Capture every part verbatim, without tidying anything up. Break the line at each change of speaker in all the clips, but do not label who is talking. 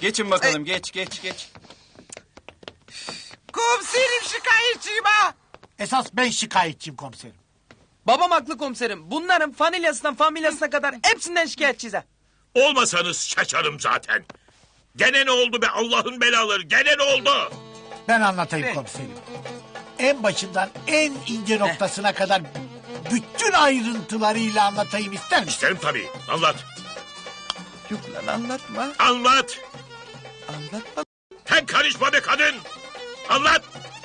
Geçin bakalım, geç, geç, geç.
Komiserim şikayetçiyim ha.
Esas ben şikayetçiyim komiserim.
Babam haklı komiserim. Bunların familyasından familyasına kadar hepsinden şikayetçiyiz ha.
Olmasanız şaşarım zaten. Gene ne oldu be Allah'ın belaları? Gene ne oldu?
Ben anlatayım
Ne?
komiserim. En başından en ince noktasına kadar bütün ayrıntılarıyla anlatayım ister misin?
İsterim tabii. Anlat.
Yok lan anlatma.
Anlat.
Anlatma.
Sen karışma be kadın. Anlat.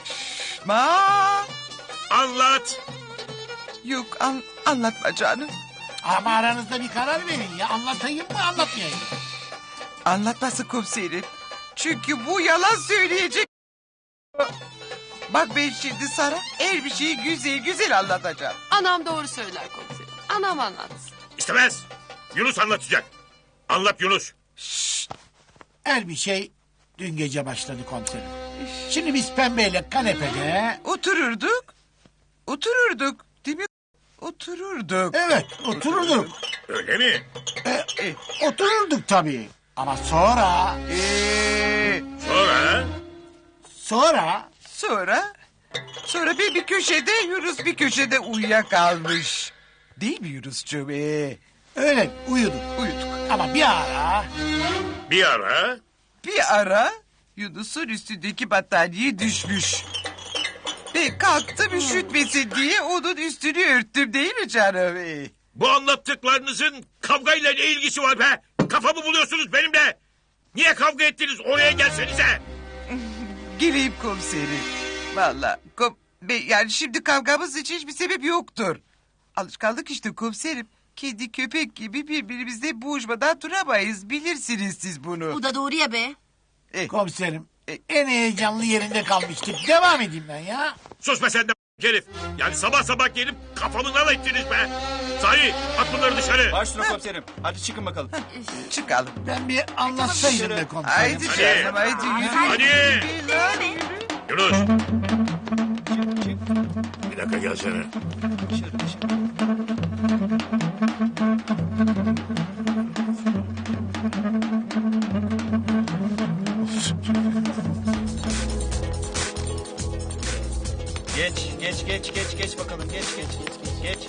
Ma.
Anlat.
Yok an, anlatma canım.
Ama aranızda bir karar verin ya. Anlatayım mı anlatmayayım mı?
Anlatması komiserim. Çünkü bu yalan söyleyecek. Bak ben şimdi sana her bir şeyi güzel güzel anlatacağım.
Anam doğru söyler komiserim. Anam anlatsın.
İstemez. Yunus anlatacak. Anlat Yunus.
Her bir şey dün gece başladı komiserim. Şimdi biz pembeyle kanepede...
Otururduk. Otururduk. Değil mi? Otururduk.
Evet otururduk.
Öyle mi?
E,
Otururduk tabii. Ama sonra...
e,
Sonra?
Sonra...
sonra? Sonra bir bir köşede Yunus bir köşede uyuyakalmış. Değil mi Yunuscuğum? E,
Öyle uyuduk.
uyuduk.
Ama bir ara...
Bir ara.
Bir ara Yunus'un üstündeki battaniye düşmüş. Ben kalktım üşütmesin diye onun üstünü örttüm değil mi canım? Ee,
Bu anlattıklarınızın kavgayla ne ilgisi var be? Kafamı buluyorsunuz benimle. Niye kavga ettiniz? Oraya gelsenize.
Geleyim komiserim. Valla kom be- yani şimdi kavgamız için hiçbir sebep yoktur. Alışkanlık işte komiserim. Kedi köpek gibi birbirimizle boğuşmadan duramayız. Bilirsiniz siz bunu.
Bu da doğru ya be.
Komiserim en heyecanlı yerinde kalmıştık. Devam edeyim ben ya.
Sus be sen de herif. Yani sabah sabah gelip kafamı nal ettiniz be. Sahi at bunları dışarı.
Baş üstüne komiserim. Hadi çıkın bakalım.
Çıkalım.
Ben bir anlatsaydım be komiserim.
Haydi canım haydi yürü.
Hadi.
Yürü lan, yürü.
Yunus. Bir dakika gelsene.
Dışarı, dışarı. Geç, geç, geç, geç, geç bakalım. Geç, geç, geç, geç.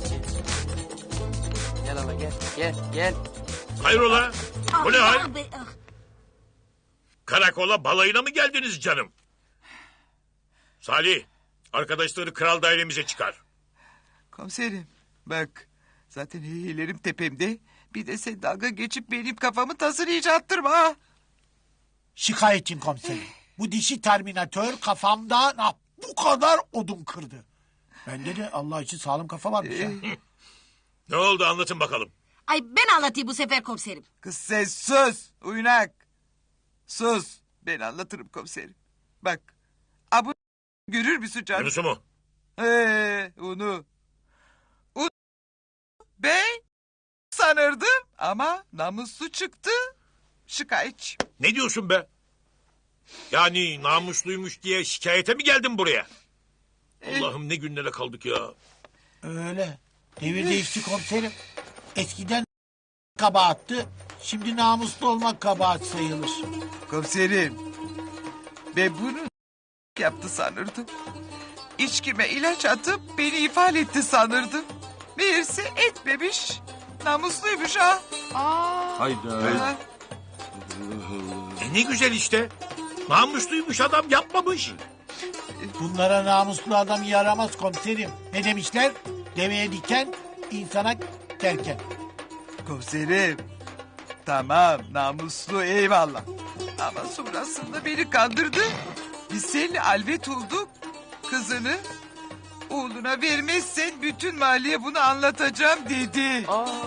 Gel hala gel. Gel gel.
Hayrola? Bu ne hal?
Ah be, ah.
Karakola balayına mı geldiniz canım? Salih, arkadaşları kral dairemize çıkar.
Komiserim bak zaten heyelerim tepemde. Bir de sen dalga geçip benim kafamı tasır iyice attırma ha.
Şikayetçiyim komiserim. Bu dişi terminatör kafamda ah, bu kadar odun kırdı. Bende de Allah için sağlam kafa varmış ya.
Ne oldu anlatın bakalım.
Ay ben anlatayım bu sefer komiserim.
Kız sen sus uynak. Sus ben anlatırım komiserim. Bak abu görür müsün canım?
Yunus'u mu?
Ee, onu. onu ben sanırdım ama namuslu çıktı. Şikayetçi.
Ne diyorsun be? Yani namusluymuş diye şikayete mi geldin buraya? Allah'ım ne günlere kaldık ya.
Öyle. Devir değişti komiserim. Eskiden kabahattı. Şimdi namuslu olmak kabahat sayılır.
Komiserim ben bunu yaptı sanırdım. İçkime ilaç atıp beni ifade etti sanırdım. Meğerse etmemiş. Namusluymuş ha.
Aa,
Ha.
E ne güzel işte. Namusluymuş adam yapmamış.
Bunlara namuslu adam yaramaz komiserim. Ne demişler? Deveye diken, insana kerken.
Komiserim. Tamam namuslu eyvallah. Ama sonrasında beni kandırdı. Biz seninle alvet olduk. Kızını oğluna vermezsen bütün mahalleye bunu anlatacağım dedi. Ee,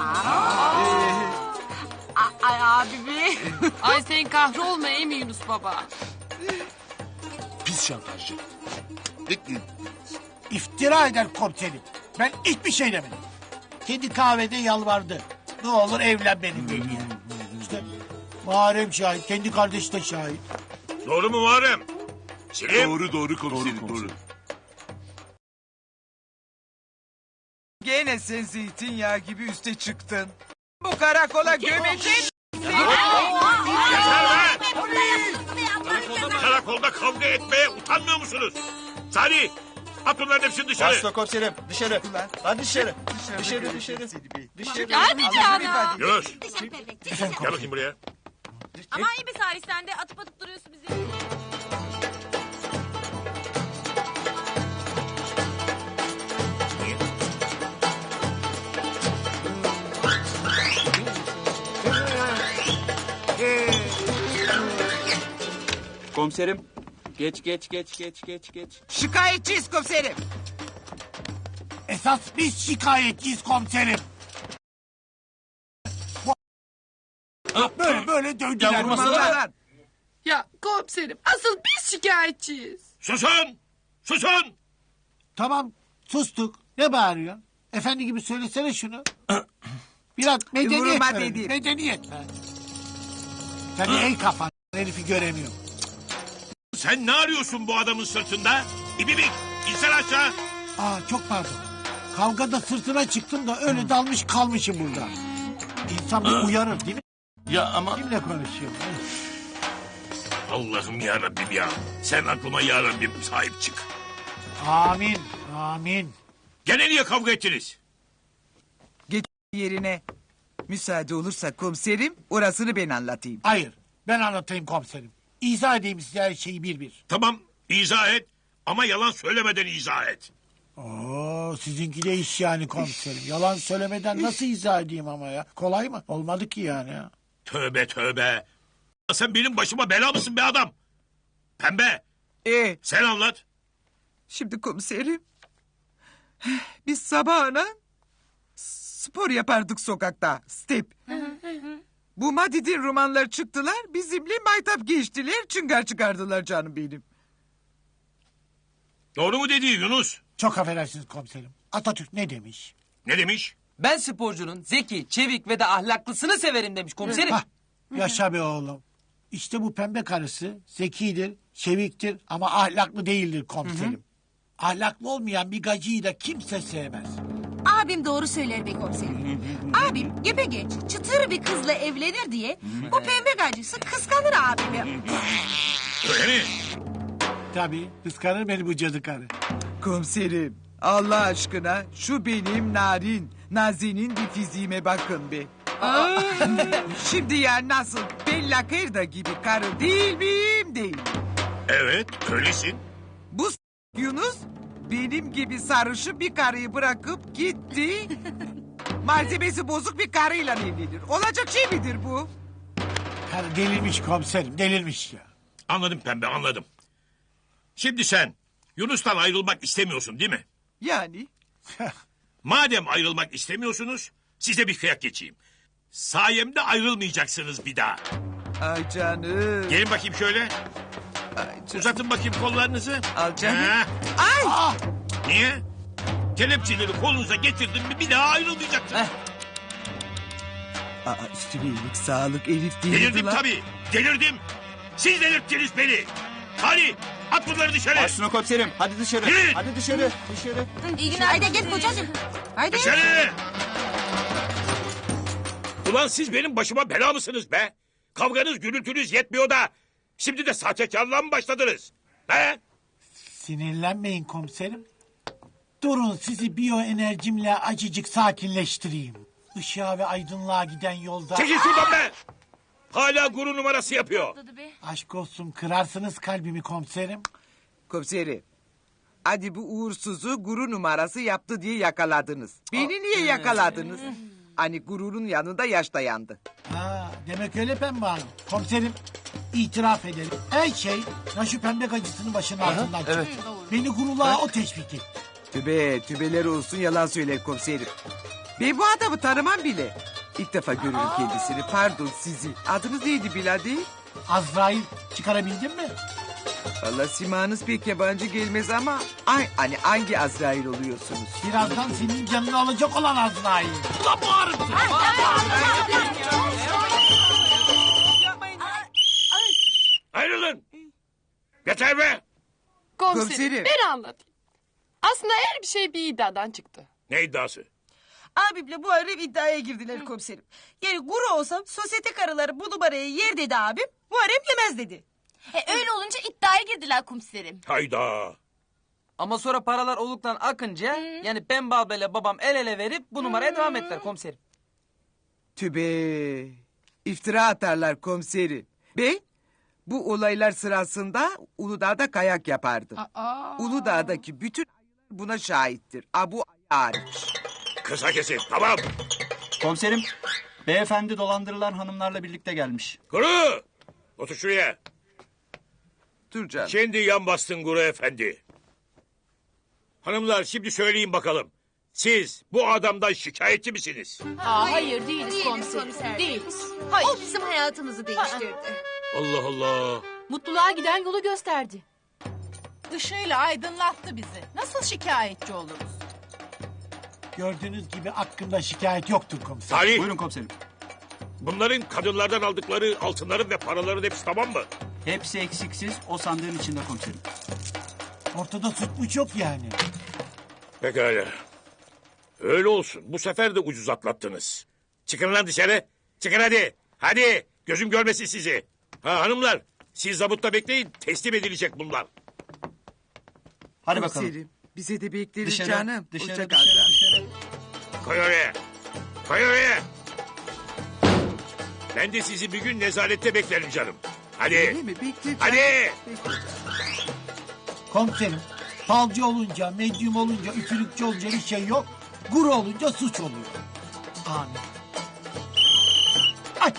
A- ay abi be.
ay sen kahrolma ey mi Yunus baba?
Pis şantajcı.
İftira eder komiserim. Ben hiçbir şey demedim. Kendi kahvede yalvardı. Ne olur evlen benimle diye. İşte Muharrem şahit, kendi kardeşi de şahit.
Doğru mu Muharrem? Selim.
Doğru doğru komiserim doğru. komiserim.
Gene sen zeytinyağı gibi üste çıktın. Bu karakola gömecek.
Yeter be! yolda kavga etmeye utanmıyor musunuz? Salih, at bunların hepsini dışarı.
Başla komiserim dışarı. Hadi dışarı. Dışarı dışarı. Dışarı.
Hadi Canan.
Yunus,
Efendim
gel
komiserim.
bakayım buraya.
Ama iyi bir Salih sen de atıp atıp duruyorsun bizi.
Komiserim. Geç geç geç geç geç geç.
Şikayetçiyiz komiserim.
Esas biz şikayetçiyiz komiserim. Bu- Böyle böyle dövdüler.
Vallahi.
Ya komiserim asıl biz şikayetçiyiz.
Susun! Susun!
Tamam sustuk. Ne bağırıyorsun? Efendi gibi söylesene şunu. Biraz medeniyet
Vurma
verelim.
dedim.
Medeniyet be. Sen de el kafan herifi göremiyorum.
Sen ne arıyorsun bu adamın sırtında? İbibik, insan aşağı.
Aa çok pardon. Kavgada sırtına çıktım da öyle dalmış kalmışım burada. İnsan bir uyarır değil mi?
Ya ama
Kimle konuşuyor?
Allah'ım ya Rabbim ya. Sen aklıma ya Rabbim sahip çık.
Amin. Amin.
Gene niye kavga ettiniz?
Geç yerine. Müsaade olursa komiserim orasını ben anlatayım.
Hayır. Ben anlatayım komiserim. İzah edeyim size her şeyi bir bir.
Tamam, izah et. Ama yalan söylemeden izah et.
Oo, sizinki de iş yani komiserim. Yalan söylemeden nasıl izah edeyim ama ya? Kolay mı? Olmadı ki yani ya.
Tövbe tövbe. Sen benim başıma bela mısın be adam? Pembe,
E
sen anlat.
şimdi komiserim. Biz sabahına spor yapardık sokakta. Step. Bu Madid'in romanlar çıktılar. Bizimle maytap geçtiler. Çıngar çıkardılar canım benim.
Doğru mu dedi Yunus?
Çok affedersiniz komiserim. Atatürk ne demiş?
Ne demiş?
Ben sporcunun zeki, çevik ve de ahlaklısını severim demiş komiserim.
Hah, yaşa be oğlum. İşte bu pembe karısı zekidir, çeviktir ama ahlaklı değildir komiserim. Ahlaklı olmayan bir gacıyı da kimse sevmez.
Abim doğru söyler be komiserim. Abim gebegeç çıtır bir kızla evlenir diye bu pembe gacısı kıskanır abimi.
Öyle mi?
Tabii kıskanır beni bu cadı karı.
Komiserim Allah aşkına şu benim narin, nazinin bir fiziğime bakın be. Şimdi ya nasıl Bella Kırda gibi karı değil miyim değil.
Evet, öylesin.
Bu s- Yunus benim gibi sarışı bir karıyı bırakıp gitti. Malzemesi bozuk bir karıyla evlenir. Olacak şey midir bu?
Karı delirmiş komiserim delirmiş ya.
Anladım Pembe, anladım. Şimdi sen Yunus'tan ayrılmak istemiyorsun değil mi?
Yani
Madem ayrılmak istemiyorsunuz, size bir kıyak geçeyim. Sayemde ayrılmayacaksınız bir daha.
ay canım.
Gelin bakayım şöyle.
Ay canım.
Uzatın bakayım kollarınızı.
Al canım.
Ha,
Ay.
niye? Kelepçeleri kolunuza getirdim mi bir daha ayrılmayacaksınız.
Aa, üstüne iyilik sağlık Elif değil
Delirdim
lan.
tabii. Delirdim. Siz delirttiniz beni. Hadi at bunları dışarı.
Başla komiserim. Hadi dışarı.
Yürü.
Hadi dışarı. Dışarı.
İyi günler. Haydi gel kocacığım. Haydi.
Dışarı. Ulan siz benim başıma bela mısınız be? Kavganız gürültünüz yetmiyor da. Şimdi de sahtekarlığa mı başladınız? He?
Sinirlenmeyin komiserim. Durun sizi biyoenerjimle acıcık sakinleştireyim. Işığa ve aydınlığa giden yolda...
Çekil şuradan be. Hala guru numarası yapıyor.
Aşk olsun kırarsınız kalbimi komiserim.
Komiserim. Hadi bu uğursuzu guru numarası yaptı diye yakaladınız. Beni niye yakaladınız? Hani gururun yanında yaş dayandı.
Ha, demek öyle pembe hanım. Komiserim itiraf edelim. Her şey ya şu pembe gacısının başının altından çıktı. Beni gururluğa o teşvik etti.
Tübe, tübeler olsun yalan söyler komiserim. Ben bu adamı tanımam bile. İlk defa görüyorum kendisini. Pardon sizi. Adınız neydi Biladi?
Azrail çıkarabildin mi?
Valla simanız pek yabancı gelmez ama... Ay, hani hangi Azrail oluyorsunuz?
Birazdan senin canını alacak olan Azrail. Ulan bu arısı.
Ayrılın. Yeter be.
Komiserim,
Komiserim.
ben anlatayım. Aslında her bir şey bir iddiadan çıktı.
Ne iddiası?
Abimle bu ara iddiaya girdiler komiserim. Yani guru olsam sosyete karıları bu numarayı yer dedi abim. Muharrem yemez dedi. E, öyle olunca iddiaya girdiler komiserim.
Hayda.
Ama sonra paralar oluktan akınca yani Pembe ablayla babam el ele verip bu numaraya devam ettiler komiserim.
Tübe. İftira atarlar komiserim. Ben bu olaylar sırasında Uludağ'da kayak yapardım. Uludağ'daki bütün ayılar buna şahittir. Abu hariç.
Kısa kesin tamam.
Komiserim, beyefendi dolandırılan hanımlarla birlikte gelmiş.
Guru. Otur şuraya.
Dur canım.
Şimdi yan bastın Guru efendi. Hanımlar şimdi söyleyin bakalım. Siz bu adamdan şikayetçi misiniz?
Aa, hayır değiliz
Değiliz
komiserim.
komiser.
Değiliz.
O bizim hayatımızı değiştirdi.
Allah Allah.
Mutluluğa giden yolu gösterdi.
Işığıyla aydınlattı bizi. Nasıl şikayetçi oluruz?
Gördüğünüz gibi hakkında şikayet yoktur komiser.
Salih,
Buyurun komiserim.
bunların kadınlardan aldıkları altınların ve paraların hepsi tamam mı?
Hepsi eksiksiz o sandığın içinde komiserim.
Ortada suçmuş yok yani.
Pekala. Öyle olsun. Bu sefer de ucuz atlattınız. Çıkın lan dışarı. Çıkın hadi. Hadi. Gözüm görmesin sizi. Ha hanımlar. Siz zabutta bekleyin. Teslim edilecek bunlar.
Hadi bakalım.
Komiserim, bize de bekleriz
Dışarı,
canım.
dışarı,
Hoşça kal
dışarı,
canım.
dışarı.
Koy oraya. Koy oraya. Ben de sizi bir gün nezarette beklerim canım. Hadi.
Değil mi? Bekle canım.
Hadi.
Bekle.
Komiserim, falcı olunca, medyum olunca, üfürükçü olunca bir şey yok. Guru olunca suç oluyor. Amin. Ay.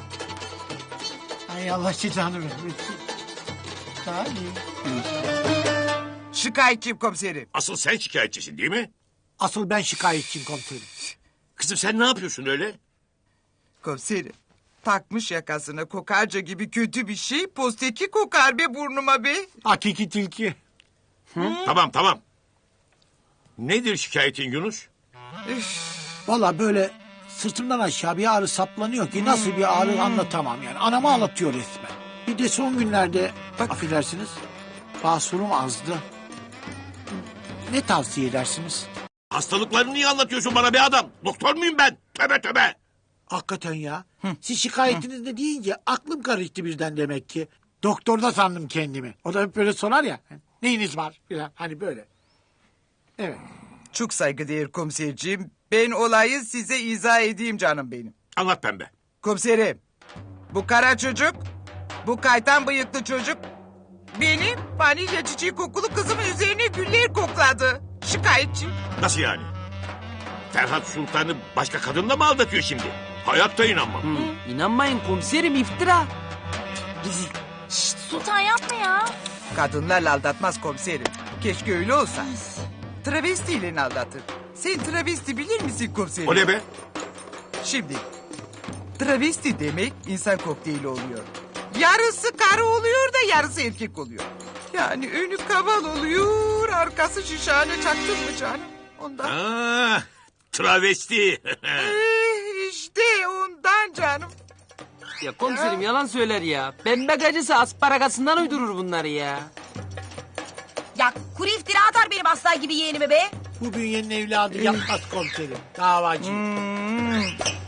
Ay Allah cezanı vermesin. Salih.
Şikayetçiyim komiserim.
Asıl sen şikayetçisin değil mi?
Asıl ben şikayetçiyim komiserim.
Kızım sen ne yapıyorsun öyle?
Komiserim. Takmış yakasına kokarca gibi kötü bir şey. Posteki kokar be burnuma be.
Hakiki tilki.
Tamam tamam. Nedir şikayetin Yunus?
Valla böyle sırtımdan aşağı bir ağrı saplanıyor ki nasıl bir ağrı anlatamam yani. Anamı ağlatıyor resmen. Bir de son günlerde affedersiniz basurum azdı. Ne tavsiye edersiniz?
Hastalıklarını niye anlatıyorsun bana be adam? Doktor muyum ben? Töbe töbe.
Hakikaten ya. Siz şikayetiniz ne deyince aklım karıştı birden demek ki. Doktorda sandım kendimi. O da hep böyle sorar ya. Neyiniz var? Falan. Hani böyle. Evet.
Çok saygıdeğer komiserciğim. Ben olayı size izah edeyim canım benim.
Anlat pembe.
Komiserim. Bu kara çocuk, bu kaytan bıyıklı çocuk benim vanilya çiçeği kokulu kızımın üzerine güller kokladı. Şikayetçi.
Nasıl yani? Ferhat Sultan'ı başka kadınla mı aldatıyor şimdi? Hayatta inanmam.
İnanmayın komiserim iftira.
Şşt Sultan yapma ya.
Kadınlarla aldatmaz komiserim. Keşke öyle olsa. Travestiyle aldatır. Sen travesti bilir misin komiserim?
O ne be?
Şimdi travesti demek insan kokteyli oluyor. Yarısı karı oluyor da yarısı erkek oluyor. Yani önü kaval oluyor, arkası şişhane çaktın mı canım? Ondan.
Aa, travesti.
Eh, işte ondan canım.
Ya komiserim yalan söyler ya. Pembe gacısı asparagasından uydurur bunları ya.
Ya kuru iftira atar benim aslan gibi yeğenime be.
Bu bünyenin evladı yapmaz komiserim. Davacı.
Hmm.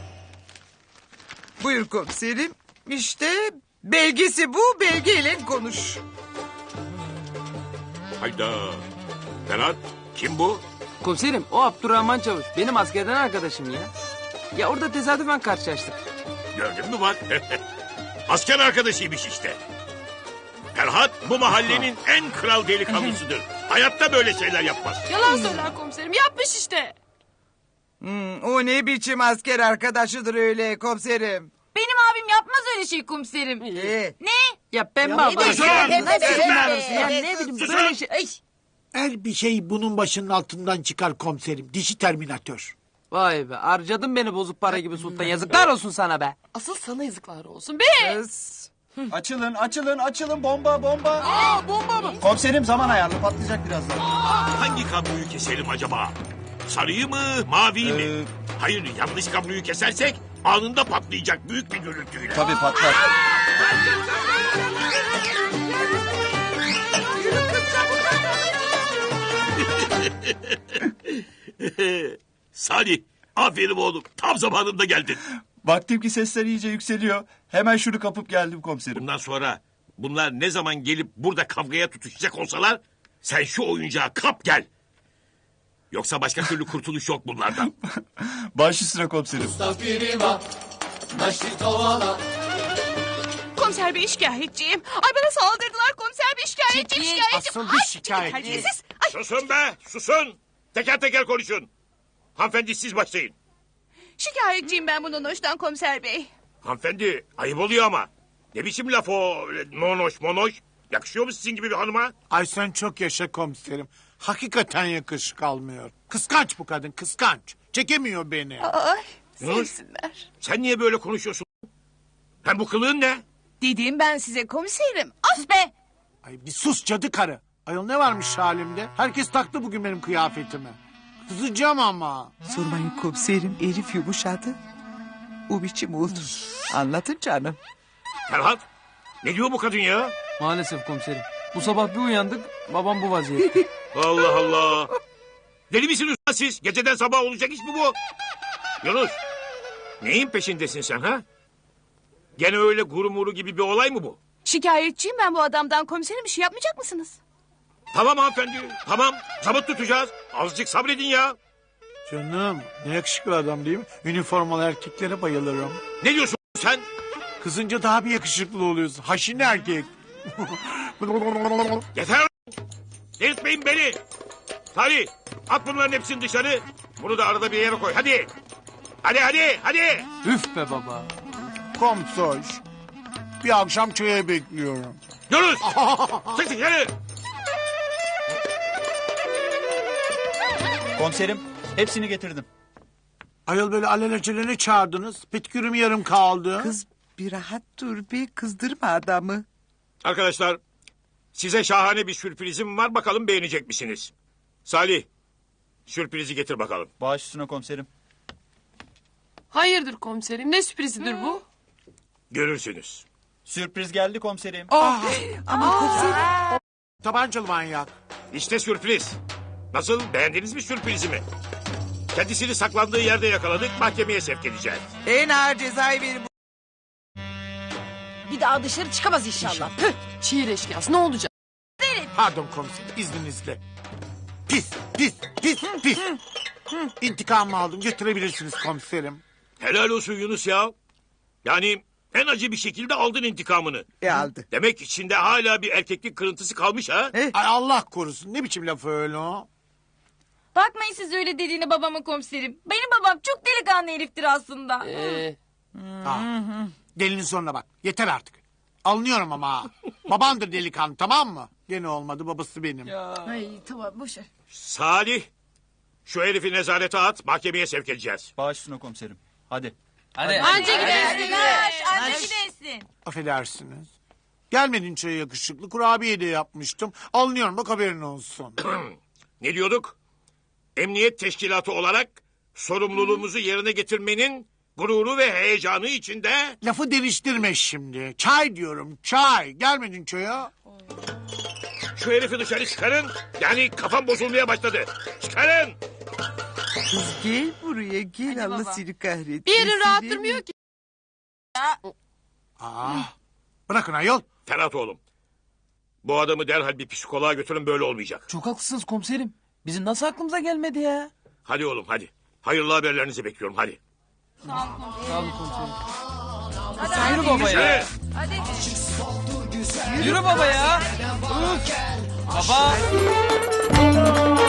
Buyur komiserim. İşte belgesi bu, belgeyle konuş.
Hayda. Ferhat kim bu?
Komiserim o Abdurrahman Çavuş. Benim askerden arkadaşım ya. Ya orada tesadüfen karşılaştık.
Gördün mü bak. Asker arkadaşıymış işte. Ferhat bu mahallenin en kral delikanlısıdır. Hayatta böyle şeyler yapmaz.
Yalan söyler komiserim. Yapmış işte.
Hmm, o ne biçim asker arkadaşıdır öyle komiserim.
Benim abim yapmaz öyle şey komiserim.
Ee,
Ne?
Ya Pembe
Ne
abla.
Sus!
be, ne be,
Sus
ne
lan!
be.
Ya ne bileyim
Sus
böyle
lan!
şey.
Ay.
Her bir şey bunun başının altından çıkar komiserim. Dişi terminatör.
Vay be harcadın beni bozuk para gibi sultan. Yazıklar olsun sana be.
Asıl sana yazıklar olsun be.
kız.
Açılın, açılın, açılın. Bomba, bomba.
Aa, bomba mı?
Komiserim zaman ayarlı, patlayacak birazdan.
Hangi kabloyu keselim acaba? Sarıyı mı, maviyi mi?
Ee,
Hayır, yanlış kabloyu kesersek anında patlayacak büyük bir gürültüyle.
Tabii patlar.
Salih, aferin oğlum. Tam zamanında geldin.
Baktım ki sesler iyice yükseliyor. Hemen şunu kapıp geldim komiserim.
Bundan sonra Bunlar ne zaman gelip burada kavgaya tutuşacak olsalar sen şu oyuncağı kap gel. Yoksa başka türlü kurtuluş yok bunlardan.
Baş üstüne komiserim.
Komiser bey şikayetçiyim. Ay bana saldırdılar komiser bey şikayetçiyim
Çekil,
şikayetçiyim.
asıl bir
Ay,
şikayetçi.
terbiyesiz. Ay,
Susun be susun. Teker teker konuşun. Hanımefendi siz başlayın.
şikayetçiyim ben bunun hoştan komiser bey.
Hanımefendi ayıp oluyor ama. Ne biçim laf o öyle monoş monoş. Yakışıyor mu sizin gibi bir hanıma?
Ay sen çok yaşa komiserim. Hakikaten yakışık almıyor. Kıskanç bu kadın kıskanç. Çekemiyor beni.
Ay
Yunus.
sevsinler.
Sen niye böyle konuşuyorsun? Hem bu kılığın ne?
Dedim ben size komiserim. Af be.
Ay bir sus cadı karı. Ayol ne varmış halimde? Herkes taktı bugün benim kıyafetime. Kızacağım ama.
Sormayın komiserim, herif yumuşadı. O biçim oldu. Anlatın canım.
Ferhat ne diyor bu kadın ya?
Maalesef komiserim. Bu sabah bir uyandık babam bu vaziyette.
Allah Allah. Deli misiniz lan siz? Geceden sabah olacak iş mi bu? Yunus neyin peşindesin sen ha? Gene öyle guru muru gibi bir olay mı bu?
Şikayetçiyim ben bu adamdan komiserim bir şey yapmayacak mısınız?
Tamam hanımefendi tamam zabıt tutacağız. Azıcık sabredin ya.
Canım ne yakışıklı adam değil mi? Üniformalı erkeklere bayılırım.
Ne diyorsun sen?
Kızınca daha bir yakışıklı oluyorsun. Haşin erkek.
Yeter lan! Delirtmeyin beni. Salih at bunların hepsini dışarı. Bunu da arada bir yere koy hadi. Hadi hadi hadi.
Üf be baba.
Komsoş. Bir akşam çaya bekliyorum.
Yunus çık dışarı.
Komiserim hepsini getirdim.
Ayol böyle alelacele ne çağırdınız? Petkürüm yarım kaldı.
Kız bir rahat dur be, kızdırma adamı.
Arkadaşlar size şahane bir sürprizim var bakalım beğenecek misiniz? Salih sürprizi getir bakalım.
Baş üstüne komiserim.
Hayırdır komiserim ne sürprizidir bu?
Görürsünüz.
Sürpriz geldi komiserim.
Tabancalı manyak.
İşte sürpriz. Nasıl beğendiniz mi sürprizimi? Kendisini saklandığı yerde yakaladık mahkemeye sevk edeceğiz.
En ağır cezayı verin.
Bir daha dışarı çıkamaz inşallah.
Şiir eşkıyası ne olacak?
Pardon komiserim izninizle. Pis pis pis pis. İntikamımı aldım götürebilirsiniz komiserim.
Helal olsun Yunus ya. Yani en acı bir şekilde aldın intikamını.
E aldı.
Demek içinde hala bir erkeklik kırıntısı kalmış ha?
Ay Allah korusun ne biçim laf öyle o?
Bakmayın siz öyle dediğine babama komiserim. Benim babam çok delikanlı heriftir aslında.
Ee,
Ha. Delinin sonuna bak yeter artık. Alınıyorum ama ha. Babandır delikanlı tamam mı? Gene olmadı babası benim.
Ay tamam boş ver.
Salih şu herifi nezarete at mahkemeye sevk edeceğiz.
Baş üstüne komiserim. Hadi.
Hadi.
anca gidersin.
Anne gidersin.
Affedersiniz. Gelmedin çaya yakışıklı kurabiye de yapmıştım. Alınıyorum bak haberin olsun.
Ne diyorduk? Emniyet teşkilatı olarak sorumluluğumuzu yerine getirmenin gururu ve heyecanı içinde...
Lafı değiştirme şimdi. Çay diyorum çay. Gelmedin çaya.
Şu herifi dışarı çıkarın. Yani kafam bozulmaya başladı. Çıkarın.
Kız gel buraya gel, Allah
baba.
seni kahretsin.
Bir yeri rahat durmuyor ki.
Aa, bırakın ayol.
Ferhat oğlum. Bu adamı derhal bir psikoloğa götürün böyle olmayacak.
Çok haklısınız komiserim. Bizim nasıl aklımıza gelmedi ya?
Hadi oğlum hadi. Hayırlı haberlerinizi bekliyorum hadi.
Sağ olun komiserim. Yürü baba ya.
Yürü.
Yürü baba ya. Baba.